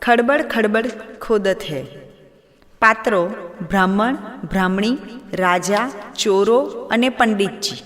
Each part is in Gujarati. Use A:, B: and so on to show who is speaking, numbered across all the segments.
A: ખડબડ ખડબડ ખોદત હૈ. પાત્રો બ્રાહ્મણ, બ્રાહ્મણી, રાજા, ચોરો અને પંડિતજી.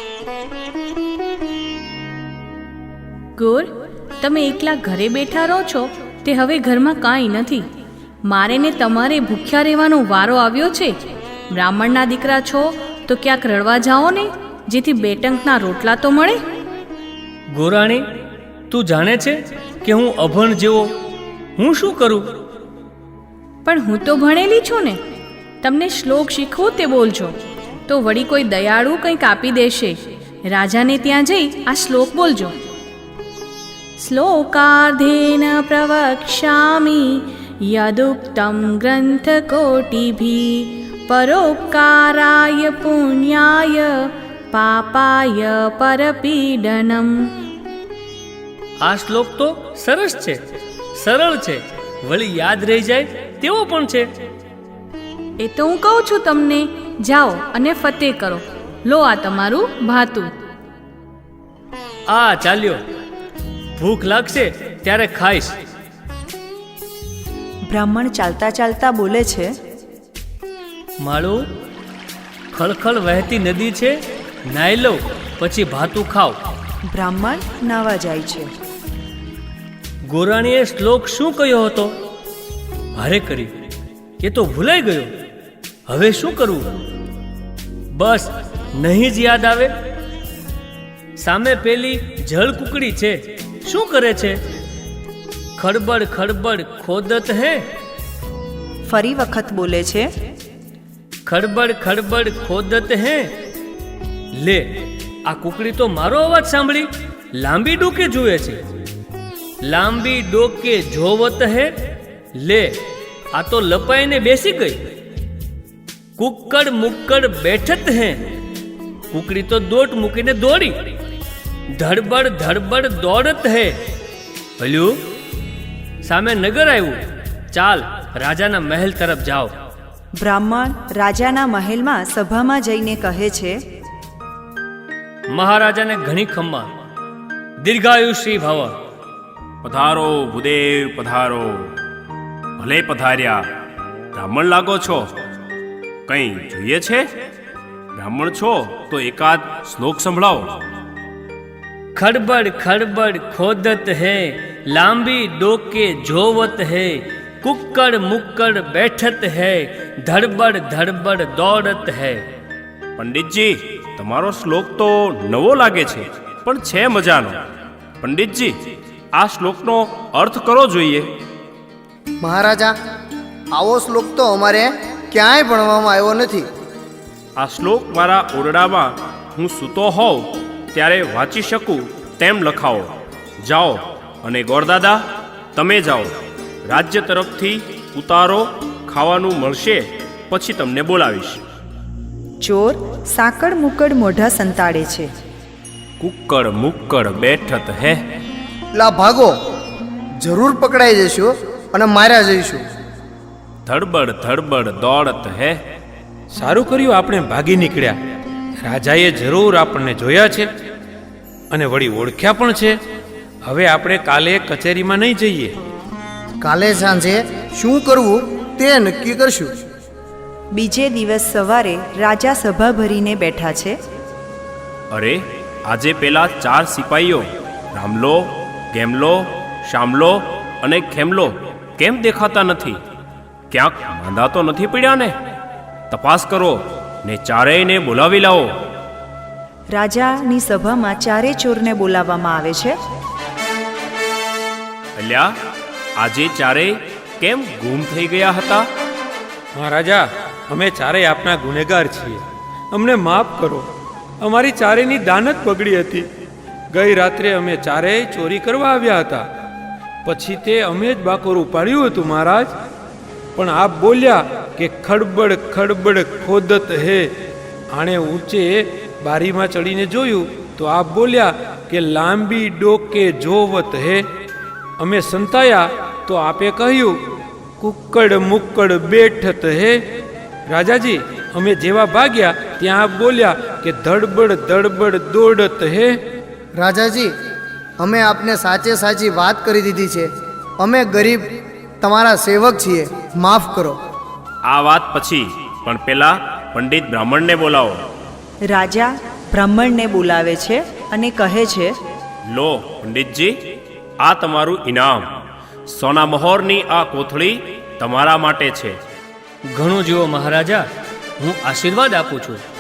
B: ગોર, તમે એકલા ઘરે બેઠા રહો છો તે હવે ઘરમાં કાંઈ નથી. મારે ને તમારે ભૂખ્યા રહેવાનો વારો આવ્યો છે. બ્રાહ્મણના દીકરા છો તો ક્યાંક રડવા જાઓ ને, જેથી બે ટંકના રોટલા તો મળે.
C: ગોરાણી, તું જાણે છે કે હું અભણ જેવો હું શું કરું?
B: પણ હું તો ભણેલી છું ને. તમને શ્લોક શીખવું તે બોલજો તો વળી કોઈ દયાળુ કંઈક આપી દેશે. રાજાને ત્યાં જઈ આ શ્લોક બોલજો. શ્લોકાર્ધેન પ્રવક્ષ્યામિ યદુક્તમ ગ્રંથકોટિભિ પરોપકારાય પુણ્યાય પાપાય પરપીડનમ.
C: આ શ્લોક તો સરસ છે, સરળ છે, વળી યાદ રહી જાય તેવો પણ છે.
B: એ તો હું કહું છું તમને. જાઓ અને ફતેહ કરો. લો આ તમારું ભાતું.
C: આ ચાલ્યો, ભૂખ લાગશે ત્યારે ખાઈશ.
A: બ્રાહ્મણ ચાલતા ચાલતા બોલે છે,
C: માળું, ખળખળ વહેતી નદી છે, નાઈ લઉં પછી ભાતું ખાવ.
A: બ્રાહ્મણ નાવા જાય છે.
C: ગોરાણીએ શ્લોક શું કહ્યો હતો? ભારે કરી, એ તો ભૂલાઈ ગયો. હવે શું કરવું? બસ નહીં જ યાદ આવે. સામે પેલી જળ કુકડી છે, શું કરે છે? ખડબડ ખડબડ ખોદત હે.
A: ફરી વખત બોલે છે,
C: ખડબડ ખડબડ ખોદત હે. લે, આ કુકડી તો મારો અવાજ સાંભળી લાંબી ડોકે જુએ છે. લાંબી ડોકે જોવત હે. લે, આ તો લપાઈને બેસી ગઈ. કુક્કડ મુક્કડ બેઠત હે. કુકડી તો દોટ મૂકીને દોડી. ધડબડ ધડબડ દોડત હે. ભલ્યું, સામે નગર આવ્યું. ચાલ, રાજાના મહેલ તરફ જાઓ.
A: બ્રાહ્મણ રાજાના મહેલમાં સભામાં જઈને કહે છે,
C: મહારાજાને ઘણી ખમ્મા, દીર્ઘાયુષી ભવ.
D: પધારો ભૂદેવ, પધારો. ભલે પધાર્યા. બ્રાહ્મણ લાગો છો, કંઈ જોઈએ છે? બ્રાહ્મણ છો તો એકાદ શ્લોક સંભળાવો.
C: ખડબડ ખડબડ ખોદત હે. લાંબી ડોકે જોવત હે. કુક્કડ મુક્કડ બેઠત હે. ધડબડ ધડબડ દોડત હે.
D: પંડિતજી, તમારો શ્લોક તો નવો લાગે છે, પણ છે મજાનો. પંડિતજી, આ શ્લોકનો અર્થ કરો જોઈએ.
E: મહારાજા, આવો શ્લોક તો અમારે ક્યાંય ભણવામાં આવ્યો નથી.
D: આ શ્લોક મારા ઓરડામાં હું સૂતો હોઉં ત્યારે વાંચી શકું તેમ લખાવો. જાઓ, અને ગોરદાદા, તમે જાઓ. રાજ્ય તરફથી ઉતારો ખાવાનું મળશે, પછી તમને બોલાવીશ.
A: ચોર સાકડ મુકડ મોઢા સંતાડે છે.
D: કુક્કડ મુક્કડ બેઠત હે.
E: લા ભાગો, જરૂર પકડાઈ જઈશું અને માર્યા જઈશું.
D: ધડબડ ધડબડ દોડત હે.
F: સારું કર્યું આપણે ભાગી નીકળ્યા. રાજાએ જરૂર આપણને જોયા છે અને વળી ઓળખ્યા પણ છે. હવે આપણે કાલે કચેરીમાં નહીં જઈએ.
E: કાલે સાંજે શું કરવું તે નક્કી કરશું.
A: બીજે દિવસ સવારે રાજા સભા ભરીને બેઠા છે.
D: અરે, આજે પેલા 4 સિપાહીઓ રામલો, ગેમલો, શામલો અને ખેમલો કેમ દેખાતા નથી? ક્યાંક માંદા તો નથી પડ્યા ને? તપાસ કરો ને ચારેયને બોલાવી લાવો.
A: રાજાની સભામાં ચારે ચોરને બોલાવવામાં આવે છે.
D: અલ્યા, આજે ચારેય કેમ ગુમ થઈ ગયા હતા?
F: મહારાજા, અમે ચારેય આપના ગુનેગાર છીએ. અમને માફ કરો. અમારી ચારેયની દાનત બગડી હતી. ગઈ રાત્રે અમે ચારેય ચોરી કરવા આવ્યા હતા. પછી તે અમે જ બાકોર ઉપાડ્યું હતું મહારાજ. પણ આપ બોલ્યા કે ખડબડ ખડબડ ખોદત હે. આણે ઊંચે બારીમાં ચડીને જોયું તો આપ બોલ્યા કે લાંબી ડોકે જોવત હે. અમે સંતાયા તો આપે કહ્યું કુક્કડ મુક્કડ બેઠત હે. રાજાજી, અમે જેવા ભાગ્યા ત્યાં આપ બોલ્યા કે ધડબડ ધડબડ દોડત હે.
E: રાજાજી, અમે આપને સાચે સાચી વાત કરી દીધી છે. અમે ગરીબ તમારા સેવક છીએ, માફ કરો.
D: આ વાત પછી, પણ પેલા પંડિત બ્રાહ્મણને બોલાવો.
A: રાજા બ્રાહ્મણને બોલાવે છે અને કહે છે,
D: લો પંડિતજી, આ તમારું ઇનામ. સોના મહોરની આ કોથળી તમારા માટે છે.
C: ઘણું જુઓ મહારાજા, હું આશીર્વાદ આપું છું.